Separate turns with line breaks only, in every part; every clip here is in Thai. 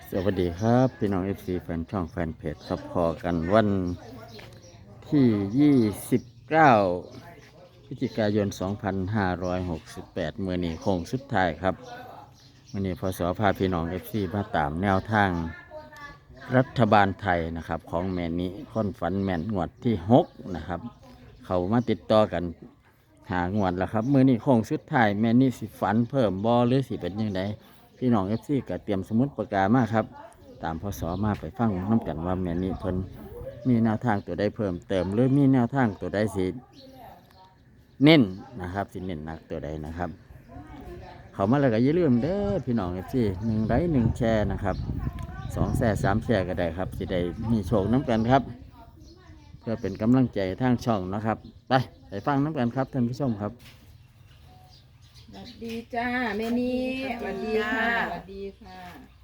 สวัสดีครับพี่น้อง FC แฟนช่องแฟนเพจครับพอกันวันที่ 29 พฤศจิกายน 2568 มื่อนี้โค้งสุดท้ายครับมื่อนี้พศพาพี่น้อง FC มาตามแนวทางรัฐบาลไทยนะครับของแมนนี้ค้นฝันแมนงวดที่ 6 นะครับ เขามาติดต่อกันหางวดแล้วครับมื่อนี้โค้งสุดท้ายแมนนี่สิฝันเพิ่มบอหรือสิเป็นยังไงพี่น้อง FC ก็เตรียมสมุดปากกามาครับ ตามพศมาไปฟังน้ำกันว่าแม่นี้เพิ่นมีแนวทางตัวใดเพิ่มเติมหรือมีแนวทางตัวใดสิเน้นนะครับสิเน้นหนักตัวใดนะครับเขามาแล้วก็อย่าลืมเด้อพี่น้องFC 1 ไลค์ 1 แชร์นะครับ2 แชร์ 3 แชร์ก็ได้ครับสิได้มีโชคน้ำกันครับเพื่อเป็นกำลังใจทางช่องนะครับไปฟังน้ำกันครับท่านผู้ชมครับ
สวัสดีจ้าแม่นี่สวัสดีค่ะสวัสดีค่ะ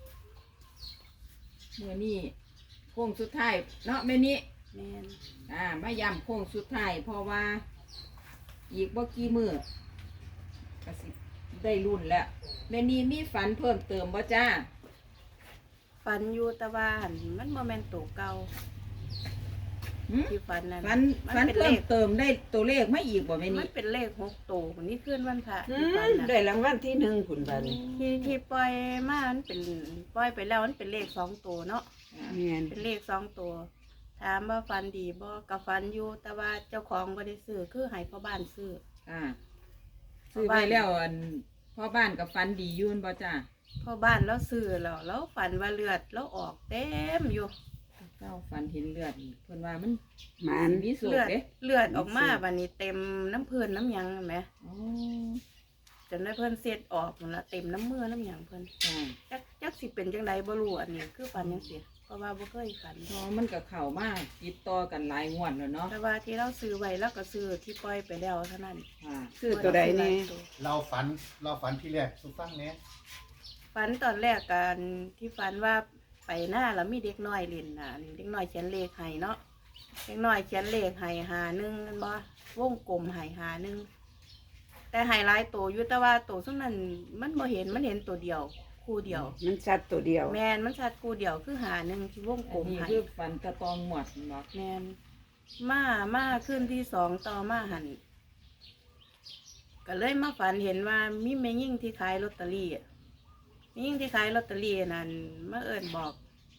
เมื่อนี้โค้งสุดท้ายเนาะแม่นี่
แม่น
มาย้ำโค้งสุดท้ายเพราะว่า อีกบ่กี่มื้อก็สิได้รุ่นแล้วแม่นี่มีฝันเพิ่มเติมบ่จ้า
ฝันอยู่แตะวันมันโมเมนตัวเก่า
หึ
ที่ฝันนั้น
ฝัน
มัเป็น
เพิ่
เล
ม
ข
เติมได้ตัวเลขมาอีกบ่แม่
มัน
นี่
เป็นเลข6 ตัววันนี้ขึ้นวันพระ
อื
ที่ฝัน
มได้
น่ะ
รางวัลที่หนึ่งคุณบัดน
ที่ปล่อยมามันเป็นปล่อยไปแล้วมันเป็นเลข2 ตัวเนาะ
แม่น
เป็นเลข2 ตัว ถามว่าฝันดีบ่กับฝันอยู่แต่ว่าเจ้าของบ่ได้ซื้อคือให้พ่อบ้านซื้อ
ซื้อไปแล้วอันพ่อบ้านกับฝันดีอยุ่นบ่จ้า
พ่อบ้านเราซื้อแล้วฝันว่าเลือดเราออกเต็มอยู่
เจ้าฝันเห็นเลือดนี่เพิ่นว่ามัน
หมัน
มีสู
เลื
ต
อ
ร
ด
เด้
เลือดออกมาบัดนี้เต็มน้ำเพื่อนน้ำหยังแหม
อ๋อ
จนได้เพิ่นเสร็จออกนั่นละเต็มน้ำมือน้ำหยังเพิ่น จักสิเป็นจังไดบ่รู้อันนี้คือฝันจังซี่เพราะว่าบ่เคยฝัน
เพราะมันก็เข้ามาติดต่อกันหลายงวดแล้วเนาะ
แต่ว่าที่เราซื้อไว้เราก็ซื้อที่ปล่อยไปแล้วเท่านั้น
ซื้อตัวใดนี่
เราฝันที่แรกสุฟังเนี้ย
ฝันตอนแรกกันที่ฝันว่าไปหน้าแล้วมีเด็กน้อยเล่นน่ะเด็กน้อยเขียนเลขให้เนาะเด็กน้อยเขียนเลขให้51นั่นบ่วงกลมให้51แต่ให้หลายตัวอยู่แต่ว่าตัวซุนั้นมันบ่เห็นมันเห็นตัวเดียวคู่เดียว
มันชัดตัวเดียว
แม่นมันชัดคู่เดียวคือ51ที่วงกล
อัน
ม
นี้
ให้
คือฝันกระตองหมวดเนาะ
แมนมาขึ้นที่2ต่อมาหันก็เลยมาฝันเห็นว่ามีแม่ยิ่งที่ขายลอตเตอรี่อะแม่ยิ่งที่ขายลอตเตอรี่นั่นมาเอิ้นบอก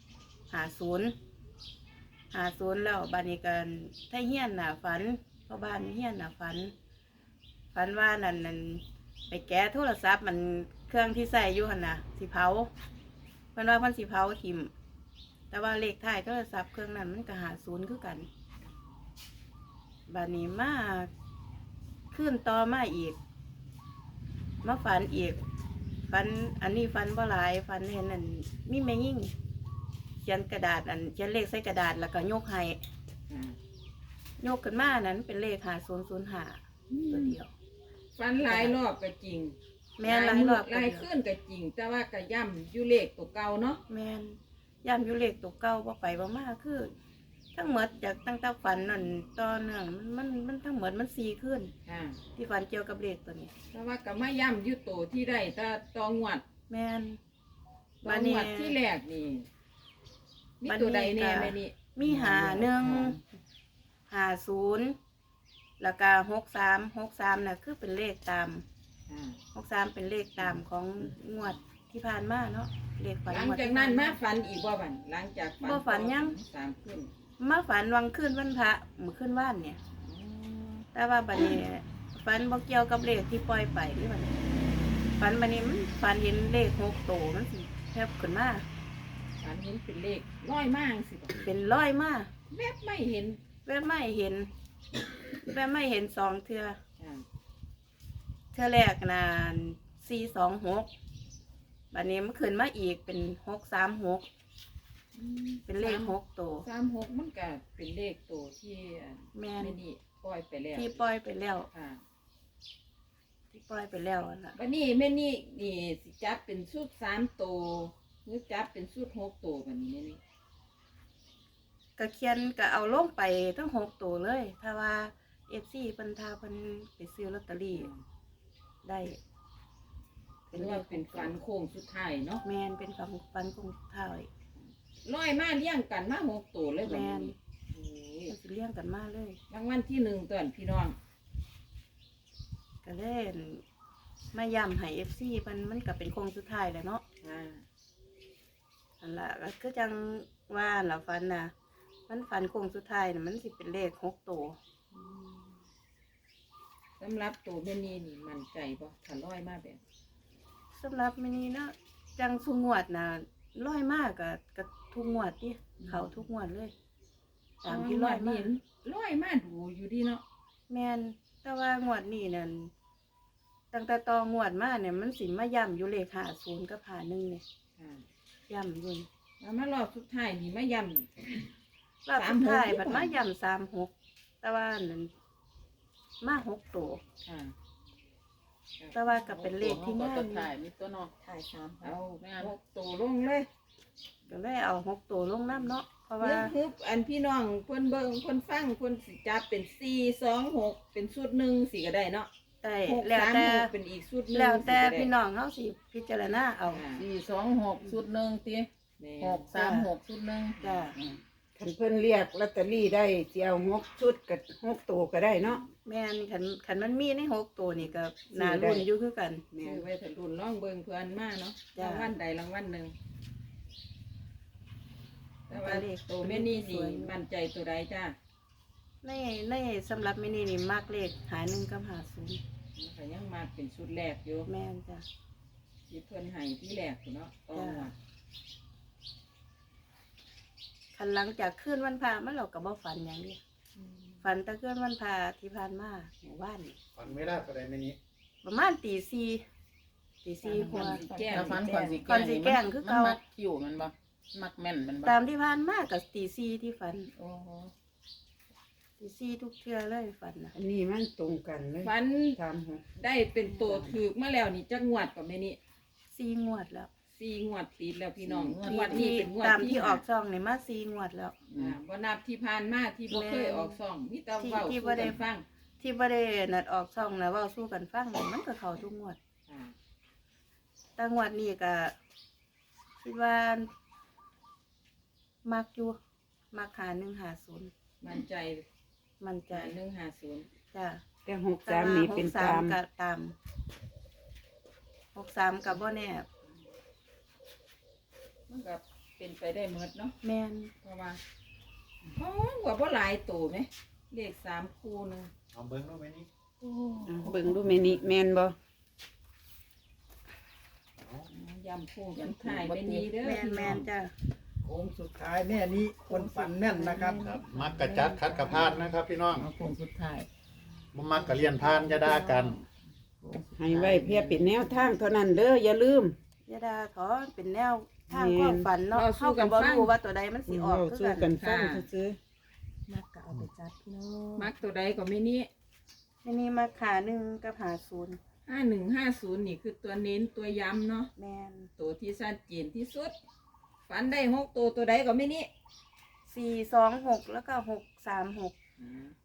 50แล้วบานนี้กันถ้าเฮียนน่ะฝันเพราะบ้านเฮียนน่ะฝันว่านั่นไปแก้โทรศัพท์มันเครื่องที่ใส่อยู่หั่นน่ะสิเผาเพิ่นว่าเพิ่นสิเผาทิ่มแต่ว่าเลขท้ายโทรศัพท์เครื่องนั้นมันก็50คือกันบานนี้มาขึ้นต่อมาอีกมาฝันอีกฝันอันนี้ฝันบ่หลายฝันเห็นนั่นมีแม่ยิ่งเขียนกระดาษเขียนเลขใส่กระดาษแล้วก็ยกให้ยกขึ้นมานั้นเป็นเลข5005ตัวเดียว
ฝันหลายรอบก็จริง
แม่นหลายรอบก็
หลายขึ้นก็จริง แต่ว่าก็ย่ำอยู่เลขตัวเก่าเนาะ
แม่นย่ำอยู่เลขตัวเก่าบ่ไปบ่มาคือทั้งหมดจากตั้งแต่ฝันนั่นต่อเนื่องมันทั้งหมดมัน4ขึ้นที่ฝันเกี่ยวกับเลขตัวนี้
แต่ว่าก็มาย่ำอยู่ตัวที่ได้แต่ตองวด
แม่น
ตองวดที่แรกนี่มีตัวใดแน่แม่นี่
มี50แล้วก็63น่ะคือเป็นเลขตาม63เป็นเลขตามของงวดที่ผ่านมาเนาะเลขฝัน
หลัง
งวด
จากนั้นมาฝันอีกบ่บันหลังจาก
บ่ฝันยัง
3ขึ้น
มาฝันวังขึ้นวันพระมื้อขึ้นว่านเนี่ย แต่ว่าบัดนี้ฝันบ่เกี่ยวกับเลขที่ปล่อยไปนี่บัดนี้ฝันบัดนี้มันฝันเห็นเลข6ตัวมันสิแทบขึ้นมา
ฝันเห็นเป็นเลขร้อยมากสิบ่
เป็นร้อยมา
แวบไม่เห็น
แวบไม่เห็น2เทื่อเทื่อแรกน่ะ426บัดนี้มันขึ้นมาอีกเป็น636เป็นเลข6ตัว
36มันก็เป็นเลขตัวที่
แม่น
ไม่นี่ปล่อยไปแล้ว
ที่ปล่อยไปแล้ว
ค่ะ
ที่ปล่อยไปแล้วนั่นล่ะ
วันนี้แม่นี่นี่สิจับเป็นสูตร3ตัวหรือจับเป็นสูตร6ตัวบัดนี้แม่นี่
ก็เขียนก็เอาลงไปทั้ง6ตัวเลย ถ้าว่า FC เพิ่นทาเพิ่นไปซื้อลอตเตอรี่ได้
แสหรือว่าเป็นฝันโค้งสุดท้ายเนาะ
แมนเป็นฟันคงเท่าอีก
ร้อยมาเลี้ยงกันมา6ตัวเลยแบบ
แม่น
นี้โอ้ย
มันสิเลี้ยงกันมาเลย
รางวัลที่1ตัวพี่น้อง
ก็เล่นมาย่ำให้ FC มันก็เป็นโคงสุดท้ายแหล้วเนาะ
อ่า
อันละก็คือจังว่าเราฟันน่ะมันฟันโคงสุดท้ายน่ะมันสิเป็นเลข6ตัว
สำหรับตัวแม่นี่นี่มั่นใจบ่ถ้าร้อยมาแบบ
สำหรับมินีเนาะจังสุงวดน่ะร้อยมากกับทุกงวดดิเขาทุกงวดเลย ตามที่ร้อยมา
นี่ร้อยมาดูอยู่ดีเนาะ
แมนแต่ว่างวดนี้นั่นตั้งแต่ตองวดมาเนี่ยมันสิมาย่ำอยู่เลข50กับ51เนี่ย
อ่า
ย่ำอยู่
แล้วมารอบสุดท้ายนี่มาย่
รอบสุดท้าย
36
บัดมาย่ำ36แต่ว่านั่นมา6ตัว
ำค่ะ
แต่ว่าก็เป็นเลขที่ง่าย
ตัวถ่ายมีตัวเนอก
ถ่าย3
เอา6ตัวลงเลย
ก็เลยเอา6ตัวลงน้ำเนาะเพราะว่า
ฮึบอันพี่น้องเพิ่นเบิ่งเพิ่นฟังเพิ่นสิจับเป็น426เป็นชุดหนึ่งสิก็ได้เนาะ
ได้
6
แล้วแต่
3 6เป็นอีกชุดหนึง
แล้วแต่
สิก็ได้
พี่น้องเฮาสิพิจารณาเอา
อ่า
426ชุดหนึ่งตี
แม่
636ชุดหนึ่ง
จ้ะ
คันเพิ่นเรียกลอตเตอรี่ได้สิเอา6ชุดกับ6ตัวก็ได้เนาะ
แม่นคันมันมีใน6ตัวนี่ก็
ซื้อ
น่า
ได้
รุ่นอยู่คือกัน
แม่
ซื้อไว้ถ้ารุ่นล่องเบิ่งเพื่อนมาเนาะ
จ้ะ
รางวัลใดรางวัลหนึ่งแต่ว่าตัวแม่นี่นี่มั่นใจตัวใดจ้า
ในสำหรับมินินี่มากเลขหา1กับ50
มันก็ยังมาเป็นชุดแรกอยู่
แม่นจ้ะ
ที่เพิ่นให้ที่แรกอยู่เนาะตอนว่า
คันหลังจากคืนวันพามันเราก็บ่ฝันหยังเดีฝันแต่คืนวันพาที่ผ่านมาหมู่บ้านนี่
ฝันไม่ได้ตัวใดไม่นี้
ประมาณตีสี่กว่า
แก้ว
ถ้าฟันก่อนสิ
ก่อนสิแกล้งคือเก่า
มักคิวมันบ่มักแม่นมันบ่
ตามที่ผ่านมาก็ตีสี่ที่ฝัน
โอ้โห
ตีสี่ทุกเทื่อเลยฝันนะ
อันนี้มันตรงกันเลย
ฟัน
36
ได้เป็นตัวถือมาแล้วนี่จักงวดกับแม่นี่
4 งวดแล้ว
4 งวดติดแล้วพี่น้องงวดนี้เป็นงวด
ตามที่ออก
ห้า
ช่องนี่มา4 งวดแล้ว
บ่นับที่ผ่านมาที่บ่เคยออกซ่องมีแต่เว้า
ที่
สู่
บ่ได้
กันฟัง
ที่บ่ได้นัดออกช่องนะเว่าสู้กันฟังนี่มันก็เข้าทุกงวด
อ่า
แต่งวดนี้ก็คิดว่ามักอยู่มักหา150
มั่นใจ
มันใจ
150
จ้ะ
แต่63นี่เป็นตาม
63กับตาม63กับบ่แน่
มันก็เป็นไปได้หมดเนาะ
แม่น
เพราะว่าว่าบ่หลายตัวไหมเลข3คู่หนึง
เอาเบิ้งรู้ไหมนี่
เบิ่งดูแม่นี่แม่นบ่
ยำคู่ยำถ่ายไปนี้เด้อ
แม่นจ้ะ
โค้งสุดท้ายแม่นี้คนฝันแน่นนะครับ
ครับ มักกะจัดคัดกะพานนะครับ พี่น้อง
เอาโค้งสุดท้าย
บ่มักกะเลียนพานจะด่ากัน
ให้ไว้เพื่อเป็นแนวทางเท่านั้นเด้ออย่าลืม
ยาดาถอเป็นแนวทางความฝันเนาะ
เราสู้
เฮา
กั
ก็
น
บ่
ฟัง
รู้ว่าตัวใดมันสิออก
เรา
คือ
สู้
กั
กัน นฟังซื่อ
มักก็เอาไปจัดพี่น้อง
มักตัวใดก็ไม่นี้
อันนี้มาขา1กับ50
5150นี่คือตัวเน้นตัวย้ำเนาะ
แม่น
ตัวที่ชัดเจนที่สุด ฝันได้6ตัวตัวใดก็ไม่นี้
426แล้วก็636